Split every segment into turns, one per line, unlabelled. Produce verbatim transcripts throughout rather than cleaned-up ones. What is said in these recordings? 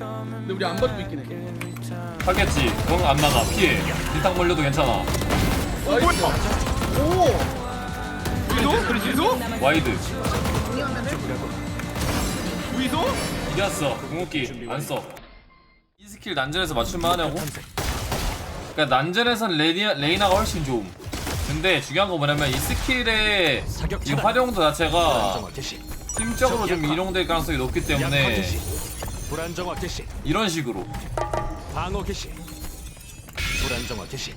근데 우리 안 봐주고 있긴 해.
하겠지. 그건 안 나가. 피해. 일당 몰려도 괜찮아.
어 뭐야? 오. 위도? 위도?
와이드.
위도?
이겼어. 궁극기 안 써. 이 스킬 난전에서 맞출만 하냐고? 그러니까 난전에선 레니, 레이나가 훨씬 좋음. 근데 중요한 거 뭐냐면 이 스킬의 이 활용도 자체가 팀적으로 좀 이용될 가능성이 높기 때문에
불안정화 개시.
이런 식으로
방어 개시. 불안정화 개시.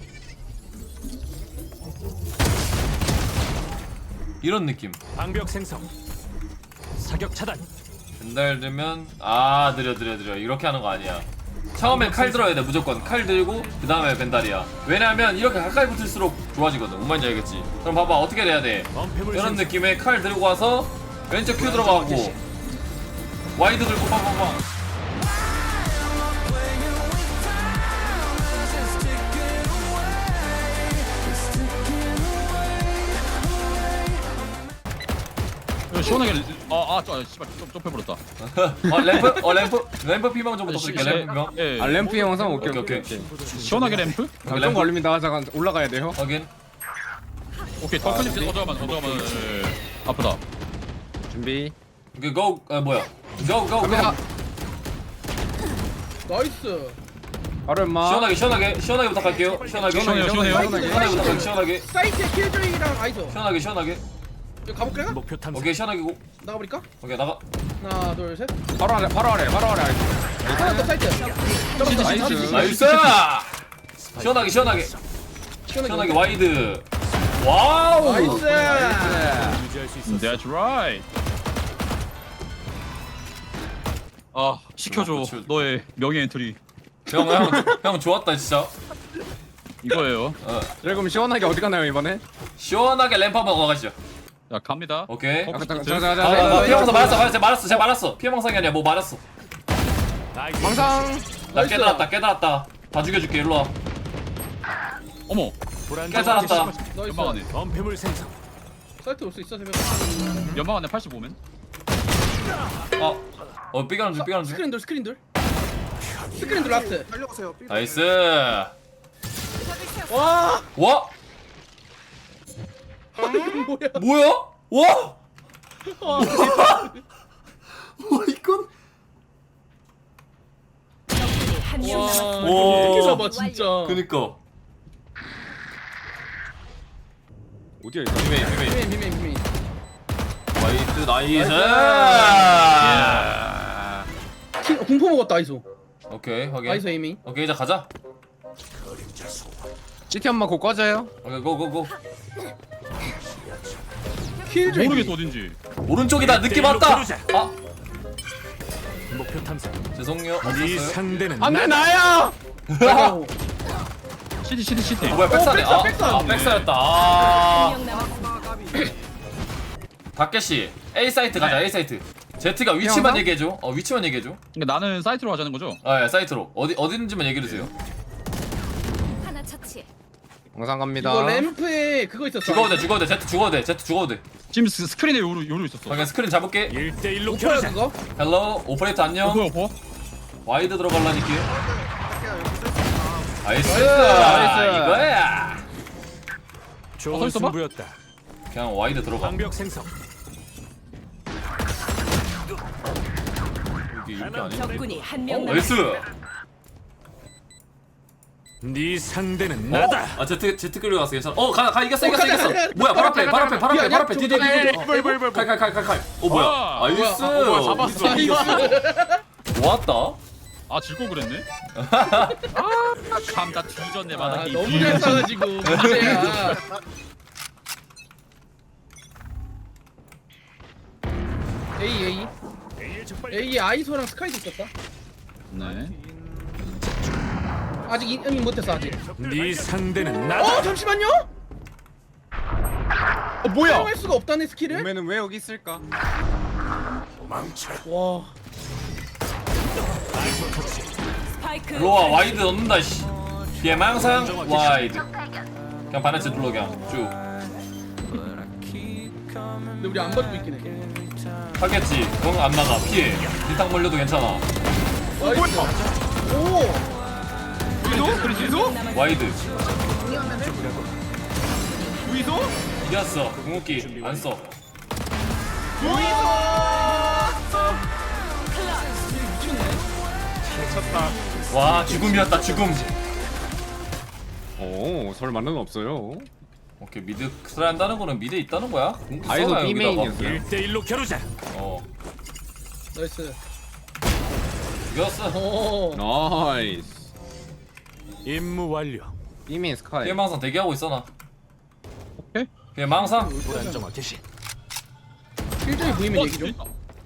이런 느낌.
방벽 생성. 사격 차단.
벤달들면 아 느려 느려 느려 이렇게 하는 거 아니야. 처음엔 칼 들어야 돼. 무조건 칼 들고 그 다음에 벤달이야. 왜냐면 이렇게 가까이 붙을수록 좋아지거든. 뭔 말인지 알겠지? 그럼 봐봐 어떻게 돼야 돼. 이런 느낌의 칼 들고 와서 왼쪽 큐 들어가고 와이드 들고 빵빵빵.
시원하게 아아 저 씨발 좀 좁혀버렸다.
어 램프? 어 램프? 램프 피망 좀 부탁드릴게. 램프 피망.
예.
아 램프 영상 오케이
오케이,
오케이
오케이.
오케이.
시원하게 램프?
아, 좀 걸립니다. 잠깐 올라가야 돼요.
확인.
오케이 턱근이 어 잠깐만 어 잠깐만. 아프다.
준비.
오케이 고. 아 뭐야? 고 고.
갑니다.
나이스.
바로 임마.
시원하게 시원하게 시원하게 부탁할게요. 시원하게
시원해요, 시원해요.
시원하게 부탁할게. 시원하게
사이트에 킬조이랑 아이소.
시원하게 시원하게.
여기 가볼까?
목표 탐색.
오케이 시원하게 고.
나가버릴까?
오케이 나가.
하나 둘 셋.
바로 아래 바로 아래 바로 아래.
하나 더 사이트.
나이스.
나이스. 시원하게 시원하게 시원하게 와이드. 와우.
나이스.
유지할 수 있어.
That's right. 아 시켜줘
그렇죠.
너의 명예 엔트리
형형형 좋았다 진짜.
이거예요.
어
그럼 시원하게 어디 가나요 이번에?
시원하게 램프 한번 가가시죠.
자 갑니다.
오케이.
어,
잠깐
저-
잠깐
아,
잠깐
아,
잠깐.
피해망상 말았어 말았어 말았어 제가 말았어. 피해망상이 아니야 뭐 말았어.
망상.
나 깨달았다 깨달았다. 다 죽여줄게 일로 와.
어머
불안정화 개시.
깨달았다.
연막 안에
범패물 생성.
사이트 올 수 있어 새벽.
연막 안에 팔십오면
어. 어 삐가는 줄 삐가는 줄.
스크린 돌 스크린 돌. 스크린 돌 라스트.
나이스.
와.
와
뭐야?
뭐야? 와. 와 이건.
와.
와.
이렇게 잡아 진짜.
그니까.
어디야 이거?
비메이 비메이.
비메인 비메인 비메인.
와이드 나이스.
킹 공포 먹었다 아이소.
오케이 확인.
아이소 에이밍.
오케이 이제 가자.
시티 엄마 곧 꺼져요.
오케이 고고고.
킬조이.
모르겠어 어딘지.
오른쪽이다 느낌 왔다. 아
목표 탐색.
죄송해요.
네
없었어요.
상대는
안돼 나야.
아이고.
시티 시티 시티.
어, 뭐야 백사네.
백사,
아,
백사.
아 백사였다. 아. 박계씨 A 사이트 가자. A 사이트. Z가 위치만
영상?
얘기해줘. 어 위치만 얘기해줘.
그러니까 나는 사이트로 하자는 거죠?
아 예, 사이트로 어디 어디는지만 얘기해주세요.
하나 처치.
망상 갑니다.
이거 램프에 그거 있었어.
죽어도 돼 죽어도 돼 Z 죽어도 돼 Z 죽어도 돼.
지금 스- 스크린에 요루 요루 있었어.
그냥 스크린 잡을게.
일 대 일로
오퍼야
겨루자.
그거.
헬로 오퍼레이터
어
안녕.
뭐야 뭐?
와이드 들어갈라니까. 나이스.
나이스.
이거야.
어,
좋은
서 있어봐?
승부였다.
그냥 와이드 들어가.
방벽 생성.
이게 이렇게 아니야?
적군이 한
어,
명
나이스.
네 상대는
어?
나다.
아 Z Z 끌려 갔어 괜찮아. 어 가 가 이겼어
어,
이겼어
가자,
이겼어.
가자,
뭐야 발 앞에 발 앞에 발 앞에 발 앞에
저기,
디디
저기,
디디.
저기, 저기,
칼칼칼칼칼. 어 뭐야?
아,
나이스.
뭐야, 어, 뭐야, 잡았어.
이겼어. 좋았다.
아 질고 그랬네. 아 감다 뒤졌네
아,
마당이.
너무 잘 싸가지고 문제야. A A A에 아이소랑 스카이도 있었다.
네.
아직 이밍 못했어 아직.
네 상대는 나다.
어 잠시만요.
어 뭐야?
사용할 수가 없다네 스킬을.
오면은 왜 여기 있을까?
와.
스파이크.
로아 와이드 넣는다 씨. 피해망상 와이드. 그냥 반해치 눌러 그냥 쭉.
근데 우리 안 봐주고 있긴 해.
하겠지. 그건 안 나가. 피해. 일당 몰려도 괜찮아.
나이스. 오.
위도? 위도?
와이드
위도?
이겼어. 궁극기 안 써.
미쳤다.
와 죽음이었다 죽음.
오, 설마는 없어요.
오케이 미드 트라이 한다는 거는 미드에 있다는 거야? 궁극기
아이소
써놔,
B
여기다가.
메인이었어요.
일 대일로 겨루자.
어
나이스.
이겼어.
오.
나이스.
임무 완료.
B 메인 스카이.
피해망상 대기하고 있어 나.
오케이.
피해망상.
불안정화 개시.
필적이 보이면 얘기 좀.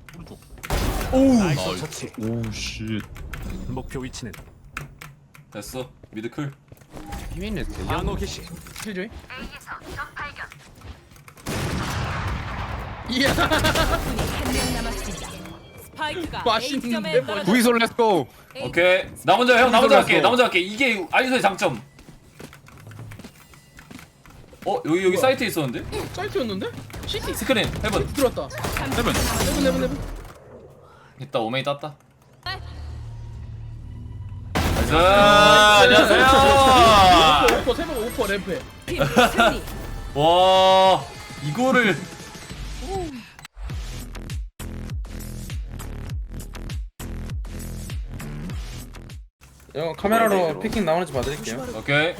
아이소 처치.
오씨.
목표 위치는
됐어 미드 클.
B 메인 레스트.
방어 개시.
필적이. 이야.
한명 남았습니다. 스파이크가
맛있는데,
A점에 떨어졌습니다.
구이솔 렛츠고.
오케이 나 먼저 형 나 먼저
들어갔어.
할게 나 먼저 할게. 이게 아이소의 장점. 어 여기 여기 사이트에 있었는데?
사이트였는데? 시티.
스크린 헤븐
들어왔다.
세븐.
해븐 해븐 해븐.
있다 오메이 땄다. 나이스 안녕하세요.
오퍼 세번 오퍼 램프에.
팀 승리.
와 이거를
형 카메라로 피킹 나오는지 봐드릴게요.
오케이.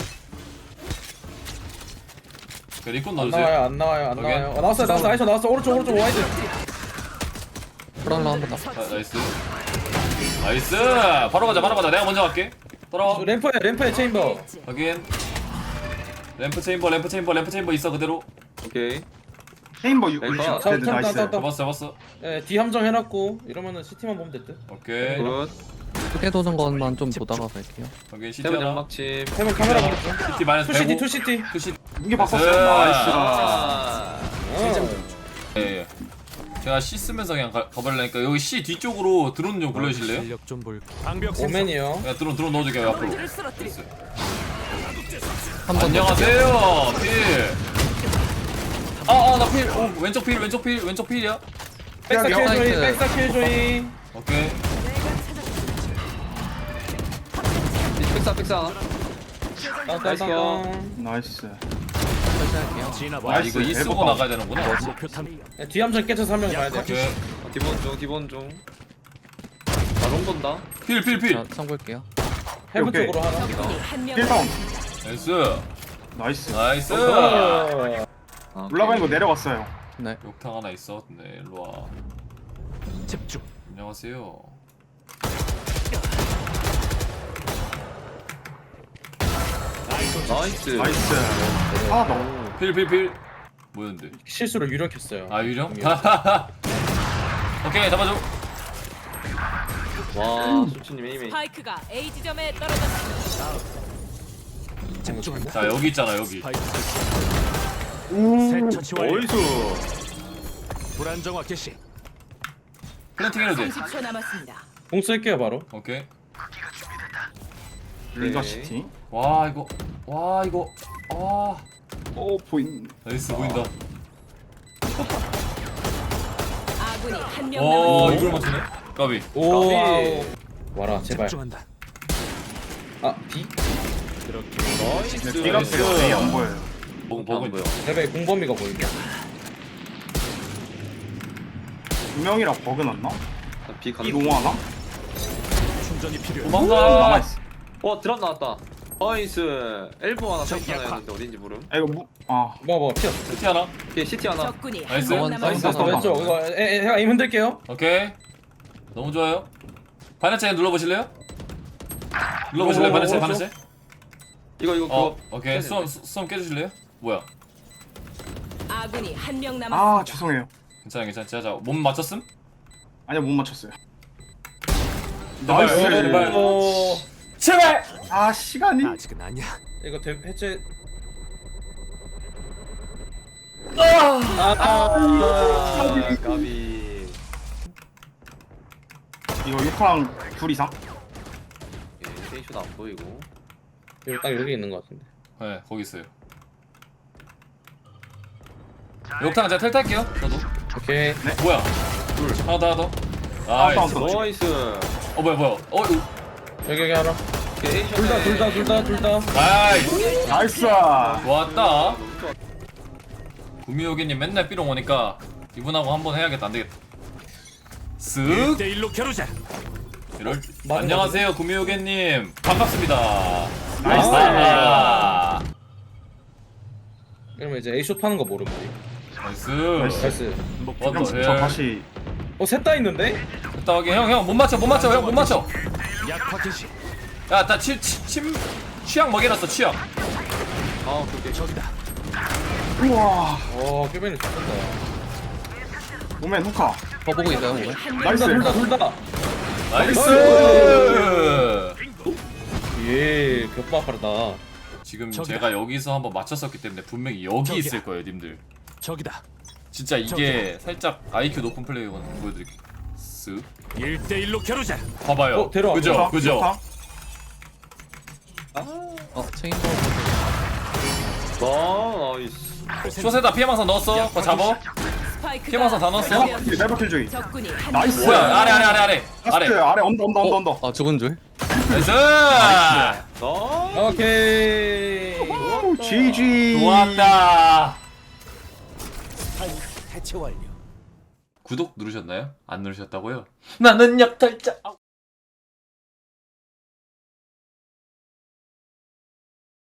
그 리콘
안
넣어주세요.
나와요, 안 나와요, 안
오케이.
나와요. 어, 나왔어요, 나왔어, 아이쇼 나왔어. 오른쪽, 오른쪽 와이드.
아, 나이스. 나이스. 바로 가자 바로 가자. 내가 먼저 갈게. 따라와.
램프에, 램프에 체인버.
확인. 램프 체인버 램프 체인버 램프 체인버 있어 그대로.
오케이.
체인버 육
램프.
십
자,
데드
자,
나이스.
자, 자.
잡았어 잡았어.
예, D 함정 해놨고 이러면은 시티만 보면 됐대.
오케이.
굿.
크게 도는 것만 좀 보다가 갈게요.
확인 시티
세븐
하나.
연막칩.
세번 카메라 보냈죠.
시티 마이너스
투 시티,
백오.
투 시티.
투시.
무게 바꿨어.
나이스.
나이스.
아.
예. 예. 제가 C 쓰면서 그냥 가, 가버리려니까 여기 C 뒤쪽으로 드론 좀 굴려주실래요?
실력 좀 볼까. 방벽 생성.
오맨이요.
야 드론 드론 넣어줄게요 앞으로.
를 쓰러뜨리.
나이스.
한번
안녕하세요 필. 아아나 필. 오 왼쪽 필 왼쪽 필 왼쪽 필이야.
백사 킬
사이트.
조이, 백사 킬 조이.
오케이.
픽사 픽사. 나이스 거.
나이스.
설치할게요.
지나
아
와.
이거 이 쓰고
대박.
나가야 되는구나.
목표 탐.
예, D 함정 깨쳐서 한 명 가야 돼.
오케이.
기본 중 기본 중. 바론 본다.
필 필 필.
자, 선볼게요.
해브
오케이.
쪽으로 하나.
적군이 한명
힐 다운.
나이스.
나이스.
나이스.
어.
아,
올라가는 거 내려왔어요.
네.
욕탕 하나 있어. 네 일로 와.
집중.
안녕하세요.
나이스.
나이스. 하나 더.
필 필 필. 뭐였는데?
실수로 유력했어요.
아 유령? 오케이 잡아줘.
와 수치님 에이메인.
스파이크가 A 지점에 떨어졌습니다.
집중한다.
자 여기 있잖아 여기.
스파이크 설치. 새 처치 완료.
나이스.
불안정화 개시.
플랜팅 해도 돼.
삼십 초 남았습니다.
공 쓸게요 바로.
오케이.
리더
네.
시티.
와 이거. 와 이거. 와.
오 보인.
나이스 보인다.
아군이 한명
와
남았습니다.
이걸 맞추네. 까비.
오.
까비.
와라 제발.
집중한다.
아 D.
그렇게
나이스.
네, 비가 세요. 네, 안 보여요.
먹
안
먹은
보여.
레벨 공범위가 보이게.
두 명이라 버그 났나?
비 간.
이 농하나?
충전이 필요해.
도망가.
남아있어.
어 드랍 나왔다. 나이스. 엘보 하나
적
사이트 하나
약화.
했는데 어딘지 모름.
아 이거 무. 아.
뭐 뭐 피어.
시티 하나.
오케이 시티 하나.
적군이
나이스.
한명
나이스.
남았습니다.
나이스.
왼쪽 이거 에, 에, 제가 임 흔들게요.
오케이. 너무 좋아요. 바네체 눌러보실래요? 눌러보실래요
오,
바네체
오,
바네체?
이거 이거
어
그거.
오케이 수험 수- 수험 깨주실래요? 뭐야?
아군이 한명
아
남았습니다.
죄송해요.
괜찮아 괜찮아 제가 자, 몸 맞췄음?
아니야 못 맞췄어요.
나이스.
나이스.
제발.
어.
제발!
아 시간이.
아직은 아니야.
이거 대, 해체.
아 까비.
이거 육파랑 둘 이상.
예, 테이쇼도 안 보이고.
여기 딱 여기 있는 것 같은데.
네 거기 있어요 욕탕 제가 텔 탈게요 저도
오케이.
뭐야 둘 하나 더 하나 더
아,
나이스
다운.
나이스.
어 뭐야 뭐야 어 이거-
여기 여기 하나. 둘 다 둘 다 둘 다 둘 다.
나이스
나이스.
좋았다 구미호기님 맨날 삐롱 오니까 이분하고 한번 해야겠다 안되겠다 쓱
일 대 일로 겨루자.
이럴
맞은
안녕하세요 구미호기님 반갑습니다
나이스.
아,
그러면 이제 A쇼 파는 거 모름 우리.
나이스
나이스.
원더
형, 저
헬
다시
어 셋 다 있는데?
됐다 하게 형형 못 맞춰 못 맞춰 형 못 맞춰
약화 개시.
야나 침 취향 먹여놨어 취향
어, 그게 저기다.
우와.
어 큐벤이 좋겠다.
오멘 후카.
더 보고 있어요 오늘.
나이스.
둘 다 둘 다.
나이스
예 벽바 빠르다.
지금
저기다.
제가 여기서 한번 맞췄었기 때문에 분명히 여기
저기다.
있을 거예요 님들
저기다.
진짜 이게 살짝 아이큐 높은 플레이거든 보여드릴게요 쓱
일 대 일로 겨루자.
봐봐요
어, 데려와.
그죠
후카,
그죠
후카.
어 체인버.
와 나이스.
쇼세다 피해망상 넣었어 그거 잡어
스파이크가
피해망상 다 넣었어
설치되었습니다.
네, 네버킬 주의.
적군이 한
나이스.
명
뭐야 아래 아래 아래 아래 아래
라스트 아래 언더 언더 언더 언더.
아 죽은 줄.
나이스
오케이.
오, 지지.
좋았다
대체 완료.
구독 누르셨나요? 안 누르셨다고요? 나는 약탈자